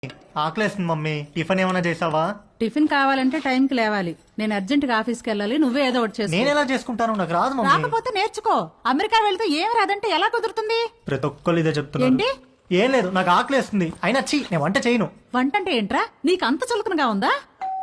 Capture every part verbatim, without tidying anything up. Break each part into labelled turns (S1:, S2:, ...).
S1: ఆకలేస్తుంది mummy. Tiffin ఏమైనా చేసావా?
S2: టిఫిన్ కావాలంటే టైంకి లేవాలి. నేను అర్జెంట్ గా ఆఫీస్కి వెళ్ళాలి. నువ్వే ఏదో ఒకటి చేసుకో.
S1: నేను ఎలా చేసుకుంటాను? నాకు రాదు మమ్మీ.
S2: రాకపోతే నేర్చుకో. అమెరికా వెళ్తే ఏం రాదంటే ఎలా కుదురుతుంది?
S1: ప్రతి ఒక్కరు ఇదే చెప్తున్నారు.
S2: ఏంటి?
S1: ఏం లేదు, నాకు ఆకలేస్తుంది. అయినా చీ, నేను వంట చేయను.
S2: వంట అంటే ఏంట్రా? నీకు అంత చులకనగా ఉందా?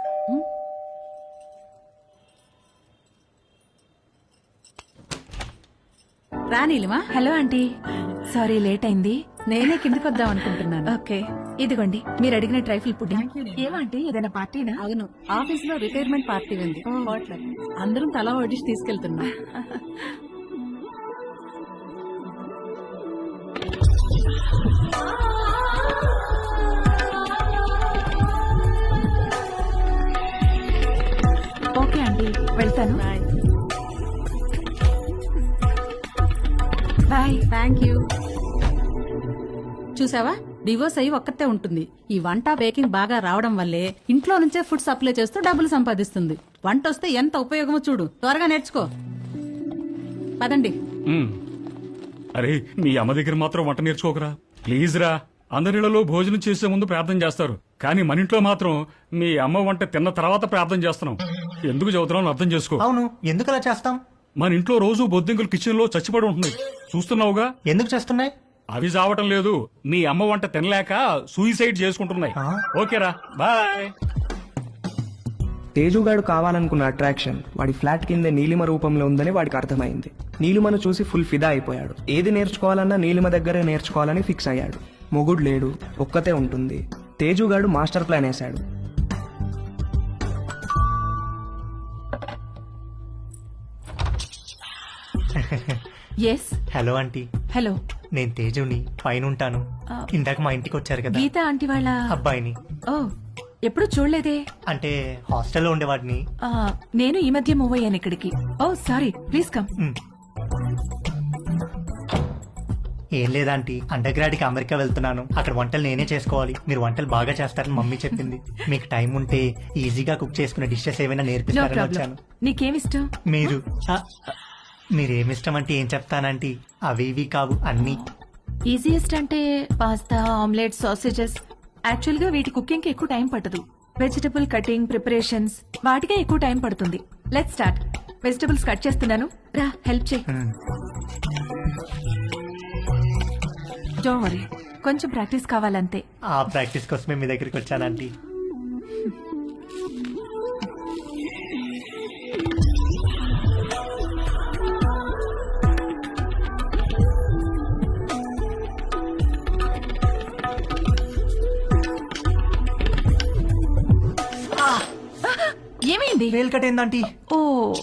S2: రా Neelima.
S3: Hello aunty, sorry late అయింది.
S2: నేనే కిందకి వద్దాం అనుకుంటున్నాను.
S3: ఓకే, ఇదిగోండి మీరు అడిగిన ట్రైఫుల్ పుడ్డింగ్. ఏమంటే ఏదైనా పార్టీనా?
S2: అవును, ఆఫీస్ లో రిటైర్మెంట్ పార్టీ ఉంది. అందరం తలా వడ్డిసి తీసుకెళ్తున్నాం.
S3: ఓకే ఆంటీ, వెళ్తాను. బాయ్.
S2: Thank you. చూసావా, డివోర్స్ అయ్యి ఒక్కతే ఉంటుంది. ఈ వంట బేకింగ్ బాగా రావడం వల్లే ఇంట్లో నుంచే ఫుడ్ సప్లై చేస్తూ డబ్బులు సంపాదిస్తుంది. వంట వస్తే ఎంత ఉపయోగమో చూడు. త్వరగా నేర్చుకో. పదండి.
S4: అరే, మీ అమ్మ దగ్గర మాత్రం వంట నేర్చుకోకరా ప్లీజ్ రా. అందరిలో భోజనం చేసే ముందు ప్రార్థన చేస్తారు, కానీ మన ఇంట్లో మాత్రం మీ అమ్మ వంట తిన్న తర్వాత ప్రార్థన చేస్తున్నాం. ఎందుకు చదువుతున్నావు అర్థం చేసుకో.
S1: అవును, ఎందుకు అలా చేస్తాం?
S4: మన ఇంట్లో రోజు బొద్దింకలు కిచెన్ లో చచ్చిపడి ఉంటున్నాయి, చూస్తున్నావుగా.
S1: ఎందుకు చేస్తున్నాయి?
S4: అవి చావటం లేదు, మీ అమ్మ వంట తినలేక సూసైడ్ చేసుకుంటున్నాయి. ఓకేరా, బాయ్.
S5: తేజుగాడు కావాలనుకున్న అట్రాక్షన్ వాడి ఫ్లాట్ కింద నీలిమ రూపంలో ఉందని వాడికి అర్థమైంది. నీలిమను చూసి ఫుల్ ఫిదా అయిపోయాడు. ఏది నేర్చుకోవాలన్నా నీలిమ దగ్గరే నేర్చుకోవాలని ఫిక్స్ అయ్యాడు. మొగుడు లేడు, ఒక్కతే ఉంటుంది. తేజుగాడు మాస్టర్ ప్లాన్ వేశాడు.
S3: ఎస్.
S1: Hello aunty.
S3: హలో,
S1: నేను తేజుని, పైన ఉంటాను. ఇందాక మా ఇంటికి వచ్చారు కదా
S3: గీత ఆంటీ వాళ్ళ
S1: అబ్బాయిని.
S3: ఓ, ఎప్పుడు చూడలేదే.
S1: అంటే హాస్టల్లో ఉండేవాడిని.
S3: ఆ, నేను ఈ మధ్య మూవ్ అయ్యాను ఇక్కడికి. Oh sorry, please come.
S1: Hmm. ఏం లేదాంటీ, అండర్ గ్రాడ్ కి అమెరికా వెళ్తున్నాను. అక్కడ వంటలు నేనే చేసుకోవాలి. మీరు వంటలు బాగా చేస్తారని మమ్మీ చెప్పింది. మీకు టైం ఉంటే ఈజీగా కుక్ చేసుకునే డిషెస్ ఏమైనా
S3: నో
S1: నేర్పిస్తారని
S3: ప్రాబ్లం.
S1: వచ్చాను.
S3: నీకేమిష్టం?
S1: మీరు ఆ, మీరేమిష్టం అంటే ఏం చెప్తానంటీ? అవి ఇవి కావు, అన్ని.
S3: ఈజియెస్ట్ అంటే పాస్తా, ఆమ్లెట్, సాసేజెస్. యాక్చువల్ గా వీటి కుకింగ్ కి ఎక్కువ టైం పట్టదు. వెజిటబుల్ కటింగ్, ప్రిపరేషన్స్ వాటికే ఎక్కువ టైం పడుతుంది. Let's start. వెజిటబుల్స్ కట్ చేస్తున్నాను, రా హెల్ప్ చేయి. డోంట్ వరీ, కొంచెం ప్రాక్టీస్ కావాలంతే.
S1: ఆ ప్రాక్టీస్ కోసమే మీ దగ్గరికి వచ్చానంటీ.
S3: ఏమైంది?
S1: వేలు కట్ ఏందంటీ?
S3: ఓ,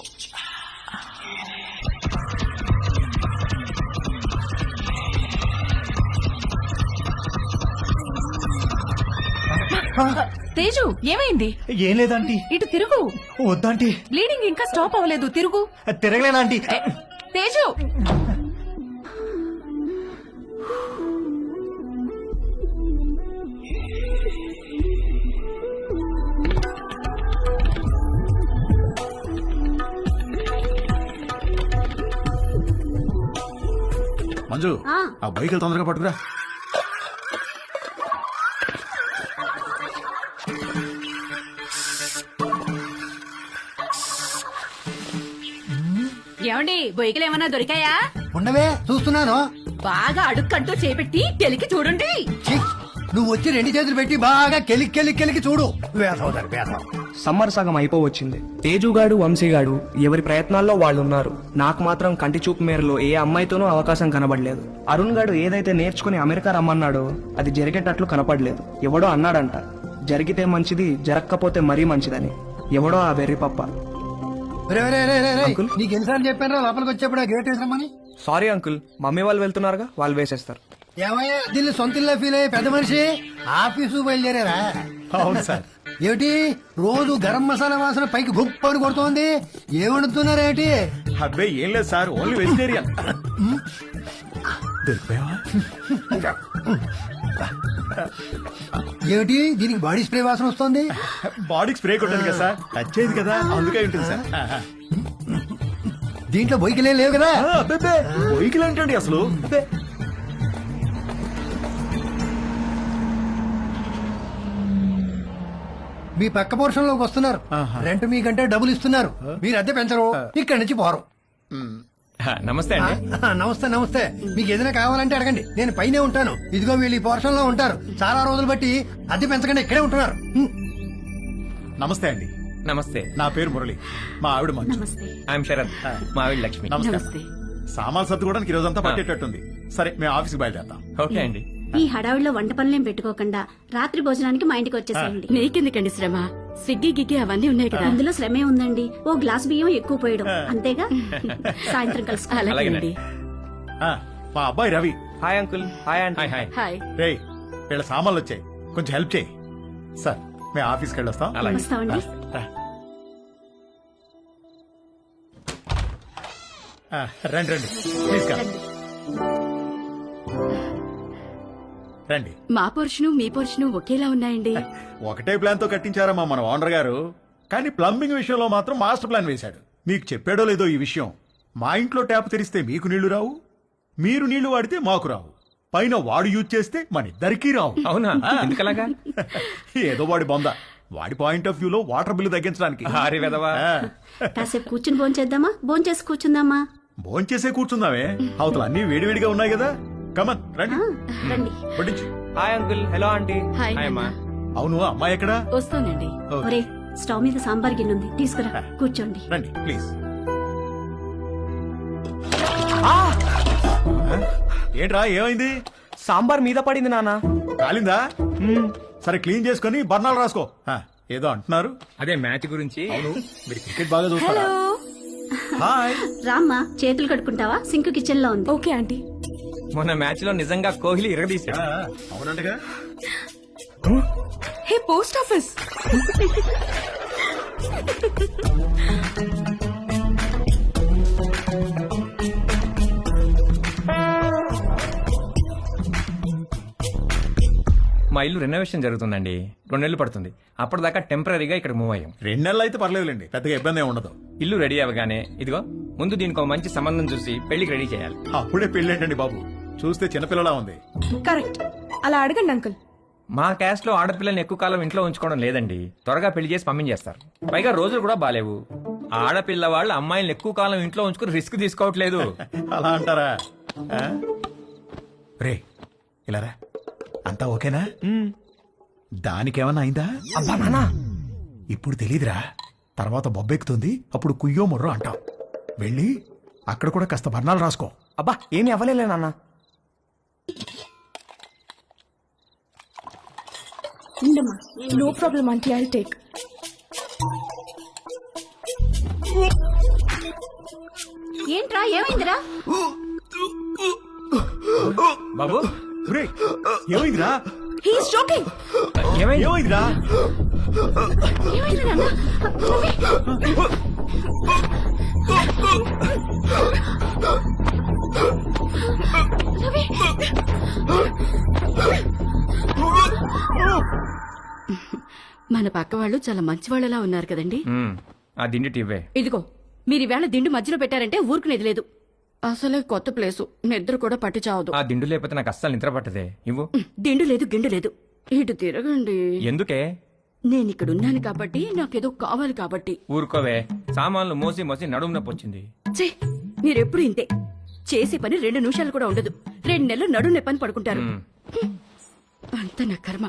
S3: తేజు ఏమైంది?
S1: ఏం లేదంటీ.
S3: ఇటు తిరుగు.
S1: వద్దంటీ.
S3: బ్లీడింగ్ ఇంకా స్టాప్ అవ్వలేదు, తిరుగు.
S1: తిరగలేదంటీ.
S3: ఏ, తేజు.
S6: మంజు, ఆ బైక్ తొందరగా పట్టుకురా.
S2: ఏమండి, బొయ్యకలు ఏమన్నా దొరికాయా?
S7: ఉండవే, చూస్తున్నాను.
S2: బాగా అడుక్కంటూ చేపెట్టి తెలికి చూడండి.
S7: ఛీ, నువ్వు వచ్చి రెండు చేతులు పెట్టి బాగా కెలికి కెలికి కెలికి చూడు. వేసవుతారు వేసవ.
S5: సమ్మర్ సగం అయిపోవచ్చింది. తేజుగాడు, వంశీగాడు ఎవరి ప్రయత్నాల్లో వాళ్ళున్నారు. నాకు మాత్రం కంటి చూపు మేరలో ఏ అమ్మాయితోనూ అవకాశం కనబడలేదు. అరుణ్ గాడు ఏదైతే నేర్చుకుని అమెరికా రమ్మన్నాడో అది జరిగేటట్లు కనపడలేదు. ఎవడో అన్నాడంట, జరిగితే మంచిది, జరగకపోతే మరీ మంచిదని. ఎవడో ఆ వెర్రి పప్ప.
S7: నీకు ఎన్నిసార్లు చెప్పాను లోపలికి వచ్చేప్పుడు ఆ గేట్ వేసామని?
S5: సారీ అంకుల్, మమ్మీ వాళ్ళు వెళ్తున్నారుగా, వాళ్ళు వేసేస్తారు.
S7: ఏమయ్యా, దీన్ని సొంత ఇల్లు ఫీల్ అయ్యే పెద్ద మనిషి ఆఫీసు బయలుదేరారా?
S1: అవును సార్.
S7: ఏమిటి రోజు గరం మసాలా వాసన పైకి గుప్పని కొడుతోంది? ఏం వండుతున్నారేమిటి?
S6: అబ్బాయి ఏం లేదు సార్, ఓన్లీ వెజిటేరియన్.
S7: ఏమిటి దీనికి బాడీ స్ప్రే వాసన వస్తుంది?
S6: బాడీకి స్ప్రే కొట్టాను కదా సార్, టచ్ అయ్యింది కదా, అందుకే ఉంటుంది సార్.
S7: దీంట్లో బొయ్యికలే లేవు కదా?
S6: బొయ్యికలు ఏంటండి అసలు?
S7: మీ పక్క పోర్షన్ లోకి వస్తున్నారు. రెంట్ మీకంటే డబ్బులు ఇస్తున్నారు. మీరు అద్దె పెంచరు, ఇక్కడి నుంచి పోరు.
S8: నమస్తే
S7: ఆ,
S8: అండి.
S7: ఆ, నమస్తే నమస్తే. మీకు ఏదైనా కావాలంటే అడగండి, నేను పైనే ఉంటాను. ఇదిగో వీళ్ళు ఈ పోర్షన్ లో ఉంటారు. చాలా రోజులు బట్టి అద్దె పెంచకుండా ఇక్కడే ఉంటున్నారు. హ్మ్.
S6: నమస్తే అండి,
S8: నమస్తే.
S6: నా పేరు మురళి. మా ఆవిడ మంచు.
S8: ఐఎమ్ శరత్, మా ఆవిడ లక్ష్మి.
S6: నమస్కారం. సామాన్ సర్దుకోవడానికి ఈ రోజంతా పట్టేటట్టుంది. సరే, మేము ఆఫీస్కి బయలుదేరుతాం.
S8: ఓకే అండి.
S9: ఈ హడావిడిలో వంట పనులేం పెట్టుకోకుండా రాత్రి భోజనానికి మా ఇంటికి వచ్చేసేయండి.
S10: నీకెందుకండి శ్రమ? స్విగ్గీ గిగ్గి అవన్నీ ఉన్నాయి కదా.
S9: అందులో శ్రమే ఉందండి. ఓ గ్లాస్ బియ్యం ఎక్కువ పోయడం అంతేగా. సాయంత్రం కలుసు.
S10: అలాగేనండి.
S6: ఆ, మా అబ్బాయి Ravi.
S5: Hi uncle. Hi aunty.
S8: Hi hi.
S10: Hi.
S6: రేయ్, వీళ్ళ సామాన్లు వచ్చాయి, కొంచెం హెల్ప్ చేయి. సార్, మేము ఆఫీస్కి వెళ్ళొస్తాం.
S8: అలాగే.
S9: వస్తామండి.
S6: రా. ఆ, రండి రండి, ప్లీజ్ కమ్. రండి.
S10: మా పోర్షను మీ పోర్షను ఒకేలా ఉన్నాయండి.
S6: ఒకటే ప్లాన్ తో కట్టించారమ్మా మన ఓనర్ గారు, కానీ ప్లంబింగ్ విషయంలో మాత్రం మాస్టర్ ప్లాన్ వేశాడు. మీకు చెప్పాడో లేదో ఈ విషయం, మా ఇంట్లో ట్యాప్ తెరిస్తే మీకు నీళ్లు రావు, మీరు నీళ్లు వాడితే మాకు రావు, పైన వాడు యూజ్ చేస్తే మన ఇద్దరికీ రావు.
S8: అవునా? ఎందుకలాగా?
S6: ఏదో వాడి బొంద, వాడి పాయింట్ ఆఫ్ వ్యూలో వాటర్ బిల్లు తగ్గించడానికి.
S8: హారి వెదవా.
S9: కాసేపు కూర్చుని భోంచేద్దామా? భోంచేసి కూర్చుందామా?
S6: భోంచేసే కూర్చుందామే, అవతల అన్ని వేడివేడిగా ఉన్నాయి కదా. కమన్ రండి,
S9: రండి.
S6: వడ్డించు.
S5: Hi uncle. Hello aunty.
S10: Hi
S8: hi అమ్మా.
S6: అవును, అమ్మాయి ఎక్కడా?
S10: వస్తానండి.
S6: ఓ,
S9: ఒరే, స్టవ్ మీద సాంబార్ గిన్నె ఉంది, తీసుకురా. కూర్చోండి.
S6: రండి ప్లీజ్. ఏంట్రా, ఏమైంది?
S5: సాంబార్ మీద పడింది నాన్న.
S6: కాలిందా? సరే, క్లీన్ చేసుకొని బర్ణాలు రాసుకో. ఆ, ఏదో అంటున్నారు.
S8: అదే మ్యాచ్ గురించి.
S6: మీరు క్రికెట్ బాగా చూస్తారా? హాయ్.
S9: రామ్మా, చేతులు కడుక్కుంటావా? సింక్ కిచెన్ లో ఉంది.
S10: Okay aunty.
S8: మొన్న మ్యాచ్ లో నిజంగా కోహ్లీ ఇరగదీశాడు.
S6: ఆ, అవునంటగా.
S10: Hey post office.
S8: మా ఇల్లు రెనోవేషన్ జరుగుతుందండి, రెండు నెలలు పడుతుంది. అప్పటిదాకా టెంపరీగా ఇక్కడ మూవ్ అయ్యాం.
S6: రెండు నెలలు అయితే పర్లేదులేండి, పెద్దగా ఇబ్బంది ఏమి ఉండదు.
S8: ఇల్లు రెడీ అవ్వగానే ఇదిగో ముందు దీనికి ఒక మంచి సంబంధం చూసి పెళ్లికి రెడీ చేయాలి.
S6: అప్పుడే పెళ్ళేంటండి బాబు, చూస్తే చిన్నపిల్లలా ఉంది.
S3: కరెక్ట్. అలా అడగండి అంకుల్.
S8: మా క్యాస్ట్ లో ఆడపిల్లల్ని ఎక్కువ కాలం ఇంట్లో ఉంచుకోవడం లేదండి, త్వరగా పెళ్లి చేసి పంపించేస్తారు. పైగా రోజులు కూడా బాలేవు. ఆడపిల్ల వాళ్ళు అమ్మాయిలను ఎక్కువ కాలం ఇంట్లో ఉంచుకుని రిస్క్ తీసుకోవట్లేదు.
S6: అలా అంటారా? ఆ? రే, ఇలా రా. అంతా ఓకేనా? దానికేమన్నా అయిందా?
S5: అబ్బా నాన్న.
S6: ఇప్పుడు తెలీదురా, తర్వాత బొబ్బెక్కుతుంది, అప్పుడు కుయ్యో ముర్రో అంటాం. వెళ్ళి అక్కడ కూడా కాస్త బర్ణాలు రాసుకో.
S5: అబ్బా ఏమి అవ్వలేలే నాన్న.
S9: ఉండమ్మా.
S10: No problem aunty, I take.
S9: ఏంట్రా, ఏమైందిరా?
S8: బాబు
S6: రేయ్, ఏమైందిరా?
S10: He's joking.
S8: ఏమైంది?
S6: ఏమైందిరా?
S9: ఏమైంది నాన్న?
S10: మన పక్క వాళ్ళు చాలా మంచి వాళ్ళలా ఉన్నారు కదండి.
S8: మ్మ్. ఆ దిండి టివ్వే.
S10: ఇదిగో మీరు ఈవేళ దిండు మధ్యలో పెట్టారంటే ఊరుకునేది లేదు. అసలే కొత్త ప్లేసు, నిద్ర కూడా పట్టి చావదు.
S8: ఆ దిండు లేకపోతే నాకు అస్సలు నిద్ర పట్టదే. ఇవ్వు.
S10: దిండు లేదు గిండు లేదు, ఇటు తిరగండి.
S8: ఎందుకే?
S10: నేను ఇక్కడ ఉన్నాను కాబట్టి, నాకేదో కావాలి కాబట్టి.
S8: ఊరుకోవే, సామాన్లు మోసి మోసి నడుము నొప్పి వచ్చింది.
S10: ఛీ, మీరెప్పుడు ఇంతే. చేసే పని రెండు నిమిషాలు కూడా ఉండదు. రెండు నెలలు నడు నెప్పని పడుకుంటారు.
S8: మ్మ్.
S10: అంత నా కర్మ.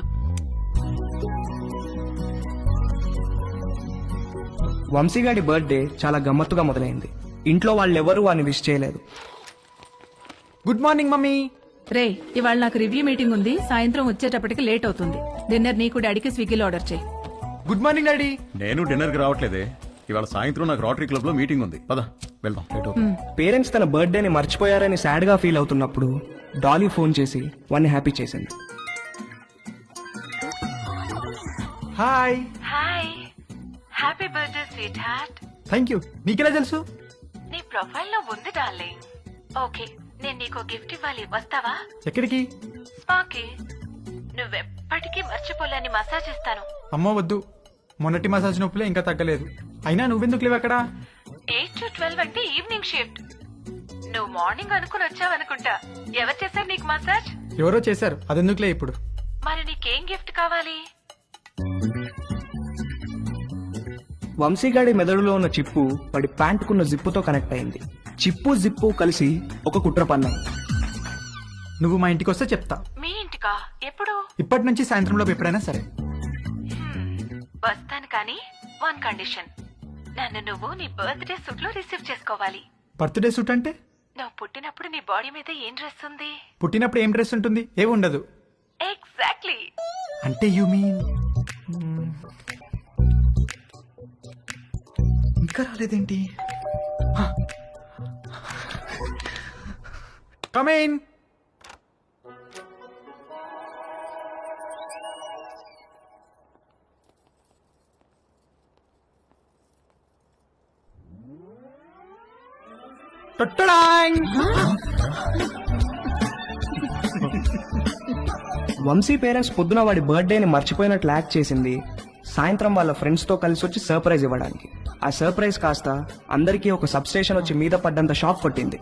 S5: వంశీగాడి బర్త్డే చాలా గమ్మత్తుగా మొదలైంది. ఇంట్లో వాళ్ళెవరూ వాడిని విష్ చేయలేదు. Good morning mummy.
S3: రే, ఇవాళ నాకు రివ్యూ మీటింగ్ ఉంది, సాయంత్రం వచ్చేటప్పటికి లేట్ అవుతుంది. డిన్నర్ నీకు డాడీకి స్విగ్గీలో ఆర్డర్ చేయి.
S5: Good morning daddy.
S6: నేను డిన్నర్ కి రావట్లేదే, ఇవాళ సాయంత్రం నాకు రోటరీ క్లబ్ లో మీటింగ్ ఉంది. పద వెళ్దాం, లేట్ అవుతుంది.
S5: పేరెంట్స్ తన బర్త్డేని మర్చిపోయారని సాడ్ గా ఫీల్ అవుతున్నప్పుడు డాలీ ఫోన్ చేసి వాడిని హ్యాపీ చేసింది. Hi.
S11: Hi, happy birthday sweetheart.
S5: Thank you. నీకెలా తెలుసు?
S11: నీ ప్రొఫైల్ లో ఉంది డార్లింగ్. ఓకే, నేను నీకు గిఫ్ట్ ఇవ్వాలి, వస్తావా?
S5: ఎక్కడికి?
S11: స్పాకి. నువ్వెప్పటికీ మర్చిపోలేని మసాజ్ ఇస్తాను.
S12: అమ్మో వద్దు, మొన్నటి మసాజ్ నొప్పులే ఇంకా తగ్గలేదు. అయినా నువ్వెందుకు లేవు అక్కడ?
S11: ఎయిట్ టు ట్వెల్వ్ అంటే ఈవినింగ్ షిఫ్ట్. నువ్వు మార్నింగ్ అనుకుని వచ్చావనుకుంటా. ఎవరు చేశారు నీకు మసాజ్?
S12: ఎవరో చేశారు, అదెందుకులే ఇప్పుడు.
S11: మరి నీకేం గిఫ్ట్ కావాలి?
S5: వంశీగాడి మెదడులో ఉన్న చిప్పు వాడి ప్యాంటుకున్న జిప్పుతో కనెక్ట్ అయింది. చిప్పు జిప్పు కలిసి ఒక కుట్ర పన్నాయి.
S12: నువ్వు మా ఇంటికి వస్తే చెప్తా.
S11: మీ ఇంటికా? ఎప్పుడు?
S12: ఇప్పటి నుంచి సాయంత్రంలో ఎప్పుడైనా సరే.
S11: వస్తాను కానీ వన్ కండిషన్. నన్ను నువ్వు నీ బర్త్డే సూట్ లో రిసీవ్ చేసుకోవాలి.
S12: బర్త్డే సూట్ అంటే?
S11: నువ్వు పుట్టినప్పుడు నీ బాడీ మీద ఏం డ్రెస్ ఉంది?
S12: పుట్టినప్పుడు ఏం డ్రెస్ ఉంటుంది? ఏమి ఉండదు.
S11: ఎగ్జాక్ట్లీ.
S12: అంటే యు మీన్ ఇంకా రాలేదేంటి? కమేన్.
S5: వంశీ పేరెంట్స్ పొద్దున వాడి బర్త్డేని మర్చిపోయినట్లు యాక్ట్ చేసింది. సాయంత్రం వాళ్ళ ఫ్రెండ్స్ తో కలిసి వచ్చి సర్ప్రైజ్ ఇవ్వడానికి. ఆ సర్ప్రైజ్ కాస్త అందరికీ ఒక సబ్ స్టేషన్ వచ్చి మీద పడ్డంత షాక్ కొట్టింది.